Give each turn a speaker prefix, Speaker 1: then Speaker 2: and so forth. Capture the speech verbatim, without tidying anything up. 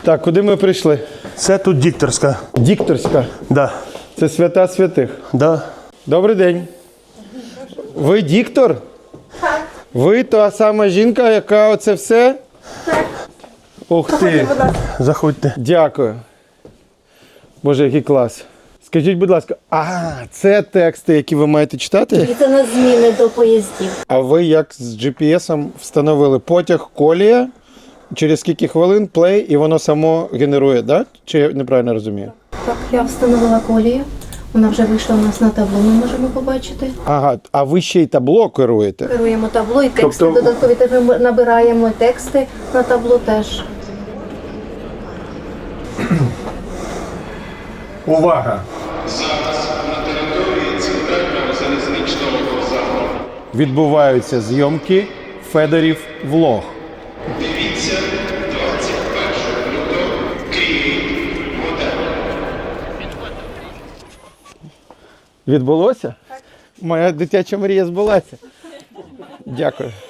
Speaker 1: Так, куди ми прийшли?
Speaker 2: Це тут дикторська.
Speaker 1: Дікторська.
Speaker 2: Да.
Speaker 1: Це свята святих.
Speaker 2: Да.
Speaker 1: Добрий день. Ви діктор? Так. Ви та сама жінка, яка оце все? Так. Ух ти.
Speaker 2: Заходьте.
Speaker 1: Дякую. Боже, який клас. Скажіть, будь ласка, а, це тексти, які ви маєте читати?
Speaker 3: І це на зміни до поїздів.
Speaker 1: А ви як з джі пі ес-ом встановили потяг, колія, через скільки хвилин, плей, і воно само генерує, так? Чи я неправильно розумію?
Speaker 3: Так, я встановила колію. Вона вже вийшла у нас на табло, ми можемо побачити.
Speaker 1: Ага, а ви ще й табло керуєте?
Speaker 3: Керуємо табло і тексти
Speaker 1: Тобто-
Speaker 3: додаткові. Теж ми набираємо тексти на табло теж.
Speaker 1: Увага!
Speaker 4: Зараз на території центрального залізничного вокзалу.
Speaker 1: Відбуваються зйомки Федорів влог.
Speaker 4: Дивіться двадцять першого лютого Київ готель.
Speaker 1: Відбулося? Так. Моя дитяча мрія збулася. Дякую.